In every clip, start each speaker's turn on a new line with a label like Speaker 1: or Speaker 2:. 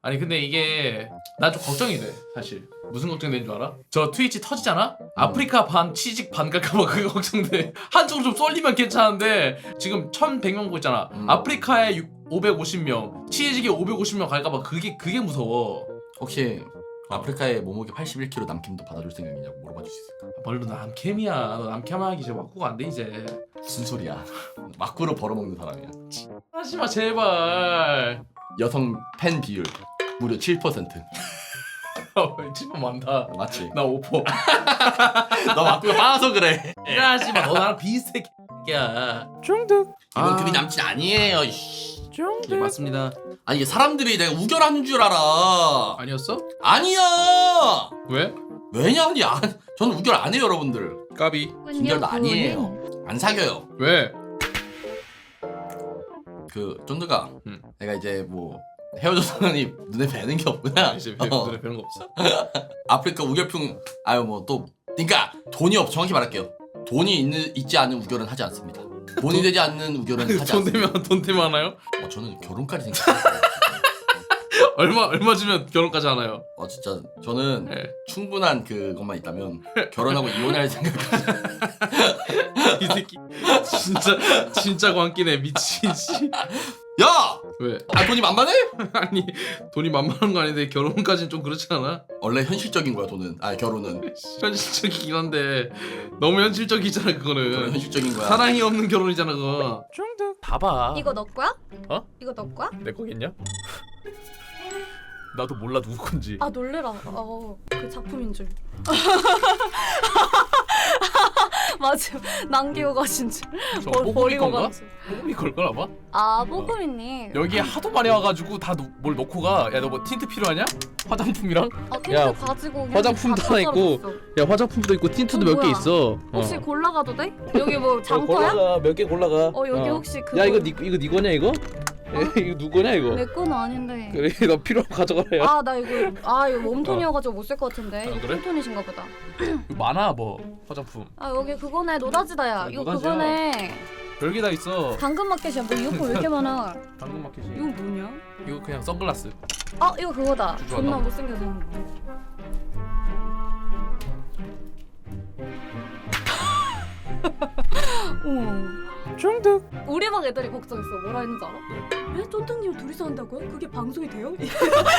Speaker 1: 아니 근데 이게 나 좀 걱정이 돼 사실. 무슨 걱정되는 줄 알아? 저 트위치 터지잖아? 아프리카 반 취직 반 갈까봐 그게 걱정돼. 한쪽으로 좀 쏠리면 괜찮은데 지금 1100명 보고 있잖아. 아프리카에 550명 취직에 550명 갈까봐 그게 무서워.
Speaker 2: 혹시 아프리카의 몸무게 81kg 남캠도 받아줄 생각이냐고 물어봐 줄 수 있을까?
Speaker 1: 뭘로 남캠이야. 너 남캠하기 이제 막구가 안 돼 이제.
Speaker 2: 무슨 소리야? 막구로 벌어먹는 사람이야.
Speaker 1: 하지마 제발.
Speaker 2: 여성 팬 비율 무려 7%.
Speaker 1: 집은 많다.
Speaker 2: 맞지?
Speaker 1: 나 5%.
Speaker 2: 너 막구가 빠서 그래.
Speaker 1: 하지마. 너 나랑 비슷해 개야.
Speaker 3: 중득.
Speaker 2: 이건 그리 남친 아니에요. 이씨.
Speaker 1: 예, 맞습니다.
Speaker 2: 아니 이게 사람들이 내가 우결하는 줄 알아.
Speaker 1: 아니었어?
Speaker 2: 아니야.
Speaker 1: 왜?
Speaker 2: 왜냐니? 저는 우결 안 해요, 여러분들.
Speaker 1: 까비.
Speaker 2: 우결도 아니에요. 안 사겨요.
Speaker 1: 왜?
Speaker 2: 그 쫀드가
Speaker 1: 응.
Speaker 2: 내가 이제 뭐 헤어졌더니 눈에 뵈는 게 없구나.
Speaker 1: 이제 눈에 뵈는 거 없어.
Speaker 2: 아프리카 우결풍 아유 뭐 또 그러니까 돈이 정확히 말할게요. 돈이 있지 않은 우결은 하지 않습니다. 돈이 되지 않는 우결은 하지 않습니다.
Speaker 1: 돈 되면 하나요?
Speaker 2: 저는 결혼까지 생각해요.
Speaker 1: 얼마 주면 결혼까지 하나요?
Speaker 2: 진짜 저는
Speaker 1: 네.
Speaker 2: 충분한 그것만 있다면 결혼하고 이혼할 생각까지.
Speaker 1: 이 새끼 진짜 광기네 미친 씨.
Speaker 2: 야!
Speaker 1: 왜?
Speaker 2: 돈이 만만해?
Speaker 1: 아니 돈이 만만한 거 아닌데 결혼까지는 좀 그렇지 않아?
Speaker 2: 원래 현실적인 거야 돈은. 결혼은.
Speaker 1: 현실적이긴 한데 너무 현실적이잖아
Speaker 2: 결혼
Speaker 1: 그거는.
Speaker 2: 현실적인 거야.
Speaker 1: 사랑이 없는 결혼이잖아 그거.
Speaker 3: 중득.
Speaker 1: 봐봐.
Speaker 4: 이거 너 거야?
Speaker 1: 어?
Speaker 4: 이거 너 거야?
Speaker 1: 내 거겠냐? 나도 몰라 누구 건지.
Speaker 4: 아 놀래라. 그 작품인 줄. 맞아. 남기고 가신 줄.
Speaker 1: 저 뽀글이 건가?
Speaker 4: 간 줄.
Speaker 1: 뽀글이 걸 거나 봐?
Speaker 4: 아 뽀금이님.
Speaker 1: 여기에 하도 많이 와가지고 다 뭘 넣고 가. 야 너 뭐 틴트 필요하냐? 화장품이랑?
Speaker 4: 틴트
Speaker 3: 야,
Speaker 4: 가지고 그냥
Speaker 3: 화장품도
Speaker 4: 다
Speaker 3: 하나 있고.
Speaker 4: 썰었어.
Speaker 3: 야 화장품도 있고 틴트도 몇 개
Speaker 4: 뭐야?
Speaker 3: 있어.
Speaker 4: 혹시 골라가도 돼? 여기 뭐 장터야?
Speaker 3: 골라가 몇 개 골라가.
Speaker 4: 여기 혹시 그거.
Speaker 3: 야 이거 네 거냐 이거? 이거 누구냐 이거?
Speaker 4: 내 거는 아닌데.
Speaker 3: 그래 너 필요하면 가져가라. 야.
Speaker 4: 나 이거 이거 웜톤이어가지고 못 쓸 것 같은데. 이거
Speaker 1: 그래?
Speaker 4: 쿨톤이신가 보다.
Speaker 1: 많아 뭐 화장품.
Speaker 4: 여기 그거네 노다지다야. 이거
Speaker 1: 노다지야.
Speaker 4: 그거네.
Speaker 1: 별게 다 있어.
Speaker 4: 당근마켓이야. 뭐 이어폰 왜 이렇게 많아?
Speaker 1: 당근마켓이.
Speaker 4: 이거 뭐냐?
Speaker 1: 이거 그냥 선글라스.
Speaker 4: 이거 그거다.
Speaker 1: 주주하다.
Speaker 4: 존나 못생겨서.
Speaker 3: 중득.
Speaker 4: 우리 방 애들이 걱정했어. 뭐라 했는지 알아? 왜 쫀득님 둘이서 한다고요? 그게 방송이 돼요?
Speaker 1: 왜?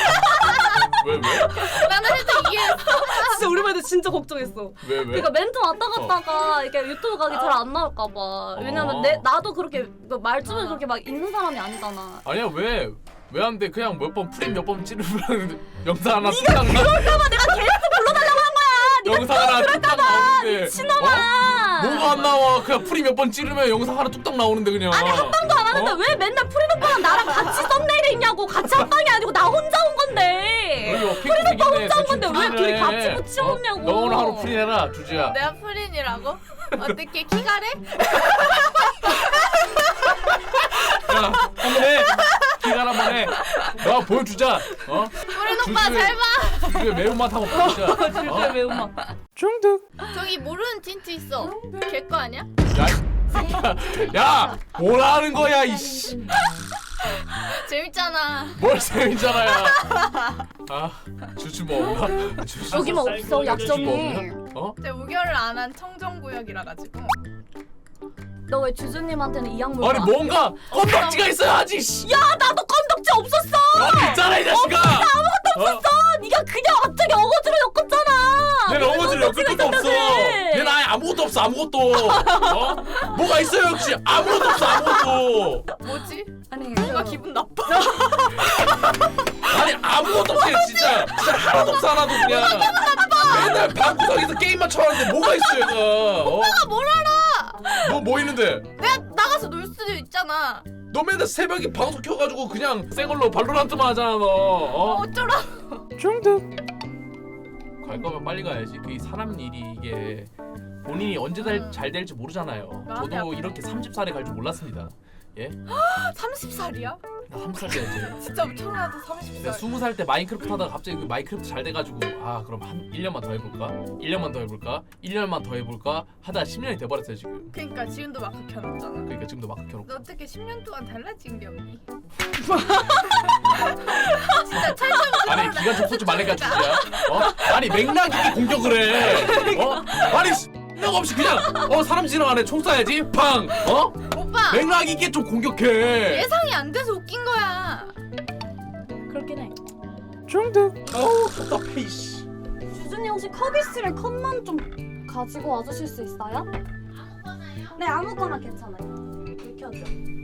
Speaker 4: 나는 살짝 이해했어. 진짜 우리 반 애들 진짜 걱정했어.
Speaker 1: 왜?
Speaker 4: 그러니까 멘트 왔다 갔다가 이렇게 유튜브 가기 잘 안 나올까 봐. 왜냐면 나도 그렇게 말주변에 그렇게 막 있는 사람이 아니잖아.
Speaker 1: 아니야 왜? 왜 안 돼? 그냥 몇 번 프림 몇 번 찌르면 영상 하나 뚝딱 나.
Speaker 4: 그럴까봐 내가 계속 불러달라고 한 거야.
Speaker 1: 영상 하나 뚝딱 나오는데.
Speaker 4: 미친놈아.
Speaker 1: 뭐가 안 나와? 그냥 프림 몇 번 찌르면 영상 하나 뚝딱 나오는데 그냥.
Speaker 4: 아니 한 방도 안 하는데 왜 맨날 프린 오빠랑 나랑 같이 썸네일에 있냐고. 같이 한 방이 아니고 나 혼자 온 건데. 프린 오빠 혼자 온 건데 왜 둘이 같이 붙여놓냐고.
Speaker 1: 너 오늘 하루 프린 해라 주지야.
Speaker 5: 내가 프린이라고? 어떻게 키가래?
Speaker 1: 야, 한번 해. 기간 한번 해. 너 보여주자.
Speaker 5: 프린 오빠 잘 봐.
Speaker 1: 주주의 매운맛 한번 보여주자.
Speaker 4: 진짜 매운맛.
Speaker 3: 중득.
Speaker 5: 저기 모르는 틴트 있어. 걔 거 아니야?
Speaker 1: 야, 뭐라 하는 거야 이씨.
Speaker 5: 재밌잖아.
Speaker 1: 뭘 재밌잖아요. 주주 뭐 없나?
Speaker 4: 여기만 없어 약점이.
Speaker 5: 제가 우결을 안 한 청정구역이라 가지고.
Speaker 4: 너 왜 주주님한테는 이 약물
Speaker 1: 아니 뭔가 건덕지가 있어야지. 씨.
Speaker 4: 야 나도 건덕지 없었어.
Speaker 1: 있잖아 이 자식아.
Speaker 4: 네가 그냥 갑자기 어거지로 엮었잖아.
Speaker 1: 내 어거지를 엮을 것도 없어.
Speaker 4: 그래.
Speaker 1: 얘 나에 아무것도 없어 아무것도. 뭐가 있어요 역시 아무것도 없어 아무것도.
Speaker 5: 뭐지?
Speaker 4: 아니
Speaker 5: 뭔가 기분 나빠.
Speaker 1: 아니 아무것도 없어 진짜 하나도 없어 하나도 그냥. 맨날 방구석에서 게임만 쳐하는데 뭐가 있어 얘가.
Speaker 5: 오빠가 뭘 알아?
Speaker 1: 뭐 있는데?
Speaker 5: 내가 나가서 놀 수도 있잖아.
Speaker 1: 너 맨날 새벽에 방송 켜가지고 그냥 생얼로 발로란트만 하잖아 너.
Speaker 5: 어쩌라?
Speaker 3: 중득.
Speaker 1: 갈 거면 빨리 가야지. 그게 사람 일이 이게 본인이 언제 잘 될지 모르잖아요. 저도 이렇게 30살에 갈 줄 몰랐습니다. 예?
Speaker 5: 30살이야?
Speaker 1: 나 30살 때였지.
Speaker 5: 진짜 태어나도
Speaker 1: 내가
Speaker 5: 30살.
Speaker 1: 20살 때 마인크래프트 하다가 갑자기 그 마인크래프트 잘 돼가지고 그럼 한 1년만 더 해볼까? 1년만 더 해볼까? 1년만 더 해볼까? 하다 10년이 돼버렸어요 지금.
Speaker 5: 그러니까 지금도 막 켜놨잖아.
Speaker 1: 그러니까 지금도 마크 켜놓고.
Speaker 5: 너 어떻게 10년 동안 달라진 게 없니? 진짜 철권
Speaker 1: 기관 좀 쏘지 말래가 진짜. 아니 맥락 있게 공격을 해. 아니 맥락 없이 그냥 사람 지나가네 총 쏴야지. 팡.
Speaker 5: 오빠
Speaker 1: 맥락 있게 좀 공격해.
Speaker 5: 예상이 안 돼서 웃긴 거야.
Speaker 4: 그렇긴 해.
Speaker 3: 중독.
Speaker 1: 어우 답답해 이씨.
Speaker 4: 주준이 혹시 커비스를 컵만 좀 가지고 와주실 수 있어요? 네 아무거나 괜찮아요. 불 켜줘.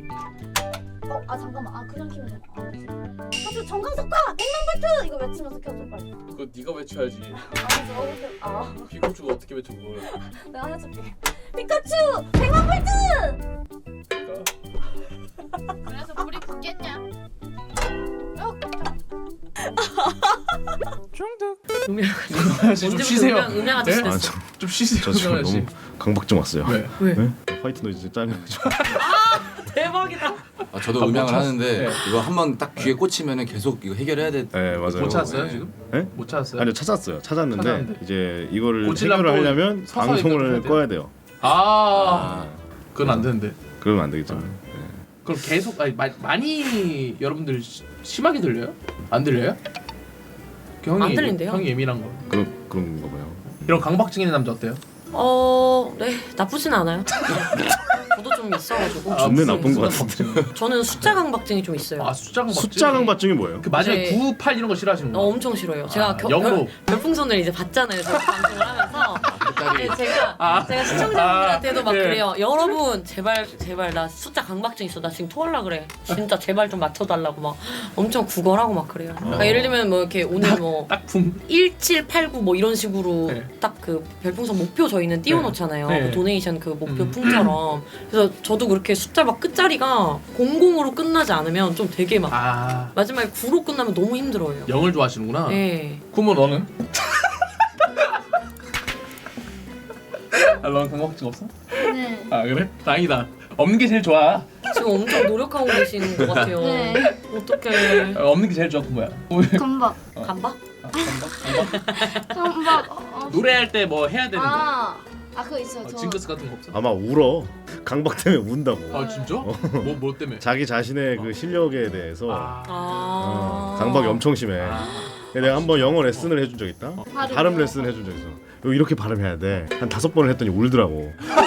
Speaker 4: 잠깐만. 그냥 키면 돼. 사실 정강석화 100만 볼트 이거 외치면서 켜줘 빨리.
Speaker 1: 그거 네가 외쳐야지. 피카츄가 어떻게 외쳐 그걸.
Speaker 4: 내가 해줄게. 피카츄 100만 볼트.
Speaker 5: 그래서 불이 붙겠냐?
Speaker 3: 중독.
Speaker 1: 좀 쉬세요.
Speaker 6: 음양 아저씨
Speaker 1: 네?
Speaker 6: 됐어.
Speaker 1: 좀 쉬세요.
Speaker 7: 저 지금
Speaker 1: 정강석 씨.
Speaker 7: 너무 강박증 왔어요.
Speaker 1: 왜?
Speaker 7: 화이트 노이즈 짜증나가지고.
Speaker 6: 대박이다.
Speaker 2: 저도 음향을
Speaker 1: 못
Speaker 2: 하는데
Speaker 1: 네.
Speaker 2: 이거 한번 딱 귀에 꽂히면은 계속 이거 해결해야 돼.
Speaker 7: 네 맞아요.
Speaker 1: 못 찾았어요
Speaker 2: 네.
Speaker 1: 지금?
Speaker 7: 네?
Speaker 1: 못 찾았어요?
Speaker 7: 아니요 찾았는데
Speaker 1: 찾았는데?
Speaker 7: 이제 이거를
Speaker 1: 고치려면
Speaker 7: 해결을
Speaker 1: 또
Speaker 7: 하려면
Speaker 1: 서서
Speaker 7: 방송을
Speaker 1: 해야 돼요?
Speaker 7: 꺼야 돼요.
Speaker 1: 그건 안 되는데.
Speaker 7: 그러면 안 되겠죠.
Speaker 1: 그럼 계속 많이 여러분들 심하게 들려요? 안 들려요?
Speaker 6: 안 들린대요.
Speaker 1: 형이 예민한 거.
Speaker 7: 그런 거 봐요.
Speaker 1: 이런 강박증 있는 남자 어때요?
Speaker 6: 네 나쁘진 않아요. 저도 좀 있어가지고.
Speaker 7: 존내 나쁜 거 같은데.
Speaker 6: 저는 숫자 강박증이 좀 있어요.
Speaker 1: 숫자 강박증.
Speaker 7: 숫자 강박증이 뭐예요?
Speaker 1: 그 마지막에
Speaker 6: 네.
Speaker 1: 9, 8 이런 거 싫어하시는 거?
Speaker 6: 엄청 싫어요. 제가
Speaker 1: 영로.
Speaker 6: 별풍선을 이제 받잖아요. 제가 방송을 하면서.
Speaker 2: 끝까지.
Speaker 6: 제가 시청자분들한테도 막
Speaker 1: 예.
Speaker 6: 그래요. 여러분 제발 나 숫자 강박증 있어. 나 지금 토할라 그래. 진짜 제발 좀 맞춰달라고 막 엄청 구걸하고 막 그래요. 그러니까 예를 들면 뭐 이렇게 오늘 뭐
Speaker 1: 딱품
Speaker 6: 1789 뭐 이런 식으로
Speaker 1: 네.
Speaker 6: 딱 그 별풍선 목표 저희는 띄워놓잖아요.
Speaker 1: 네.
Speaker 6: 그 도네이션 그 목표 풍처럼. 그래서 저도 그렇게 숫자 막 끝자리가 00으로 끝나지 않으면 좀 되게 막 마지막에 9로 끝나면 너무 힘들어요.
Speaker 1: 0을 좋아하시는구나.
Speaker 6: 네.
Speaker 1: 그러면 너는? 너는 강박증 없어?
Speaker 5: 네.
Speaker 1: 그래? 다행이다. 없는 게 제일 좋아.
Speaker 6: 지금 엄청 노력하고 계시는 것 같아요.
Speaker 5: 네.
Speaker 6: 어떡해.
Speaker 1: 없는 게 제일 좋아. 그 뭐야?
Speaker 5: 금박.
Speaker 6: 간바?
Speaker 5: 금박.
Speaker 1: 노래할 때 뭐 해야 되는데.
Speaker 5: 그거 있어요. 저.
Speaker 1: 징크스 같은 거 없어?
Speaker 7: 아마 울어. 강박 때문에 운다고.
Speaker 1: 진짜? 뭐 때문에?
Speaker 7: 자기 자신의 그 실력에 대해서 강박이 엄청 심해. 내가 한번 영어 레슨을 해준 적 있다. 발음 레슨 해준 적 있어. 이렇게 발음해야 돼. 한 5번을 했더니 울더라고.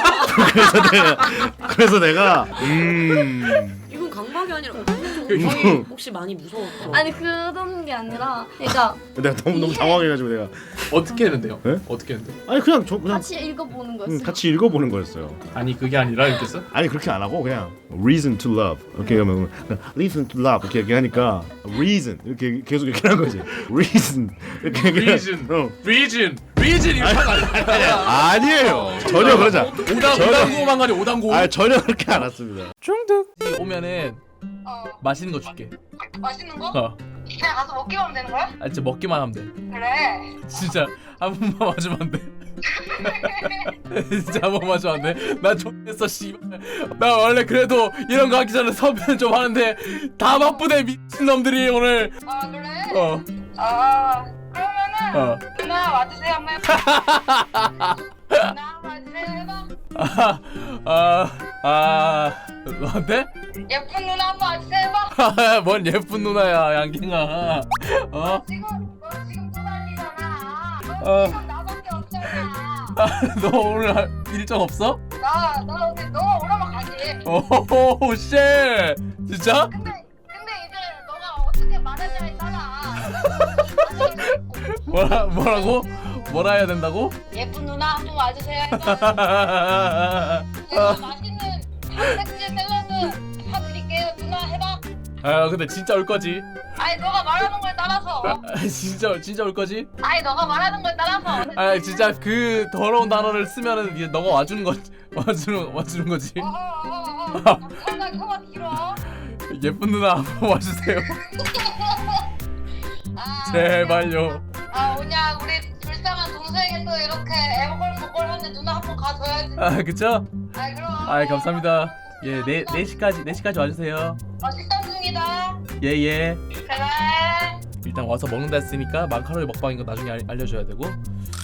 Speaker 7: 그래서 내가
Speaker 6: 이건 강박이 아니라
Speaker 1: 형이
Speaker 6: 혹시 많이 무서웠어?
Speaker 5: 아니 그런 게 아니라 그러니까
Speaker 7: 내가 너무 당황해가지고 내가
Speaker 1: 어떻게 했는데요?
Speaker 7: 네?
Speaker 1: 어떻게 했는데?
Speaker 7: 아니 그냥
Speaker 5: 같이 읽어보는 거였어요.
Speaker 7: 같이 읽어보는 거였어요.
Speaker 1: 아니 그게 아니라 이렇게 써?
Speaker 7: 아니 그렇게 안 하고 그냥 reason to love 이렇게 하면 reason to love 이렇게 얘기하니까 reason 이렇게 계속 이렇게 하는 거지. reason 이렇게
Speaker 1: Reason. 리진 이렇게
Speaker 7: 아니에요. 전혀 그러지 않아.
Speaker 1: 오당고만 가니 오당고.
Speaker 7: 전혀 그렇게 안 왔습니다.
Speaker 3: 중독.
Speaker 1: 오면은 맛있는 거 줄게.
Speaker 8: 맛있는 거?
Speaker 1: 그냥
Speaker 8: 가서 먹기만 하면 되는 거야?
Speaker 1: 진짜 먹기만 하면 돼.
Speaker 8: 그래.
Speaker 1: 진짜 한 번만 맞으면 안 돼. 진짜 한 번만 맞으면 안 돼. 나 X됐어 씨발. 나 원래 그래도 이런 거 하기 전에 섭외는 좀 하는데 다 바쁘네 미친놈들이 오늘.
Speaker 8: 그래? 그러면은 누나 와주세요 한번 해봐. 누나 와주세요 해봐.
Speaker 1: 너한테?
Speaker 8: 예쁜 누나 한번 와주세요 해봐.
Speaker 1: 뭔 예쁜 누나야 양갱아.
Speaker 8: 너 지금 또 난리잖아. 너 지금 나밖에 없잖아.
Speaker 1: 너 오늘 일정 없어?
Speaker 8: 너 너가 오라면 가지.
Speaker 1: 오호 쉣 진짜?
Speaker 8: 근데 이제 너가 어떻게 말하냐에 따라.
Speaker 1: 뭐라 해야 된다고?
Speaker 8: 예쁜 누나 한번 와주세요 해봐. 제가 맛있는 단백질 샐러드 사드릴게요. 누나 해봐.
Speaker 1: 근데 진짜 올 거지?
Speaker 8: 아니 너가 말하는 거에 따라서.
Speaker 1: 진짜 올 거지?
Speaker 8: 아니 너가 말하는 거에 따라서.
Speaker 1: 진짜 그 더러운 단어를 쓰면은 이제 너가 와주는 거 와주는 거지.
Speaker 8: 나 혀가 길어.
Speaker 1: 예쁜 누나 한번 와주세요. 제발요.
Speaker 8: 오냐 우리 불쌍한 동생이 또 이렇게 애먹걸먹걸 하는데 누나 한번 가줘야지.
Speaker 1: 그쵸?
Speaker 8: 그럼.
Speaker 1: 감사합니다. 예, 4시까지 와주세요.
Speaker 8: 식당 중이다.
Speaker 1: 예.
Speaker 8: 그래.
Speaker 1: 일단 와서 먹는다 했으니까 마카로니 먹방인 거 나중에 알려줘야 되고.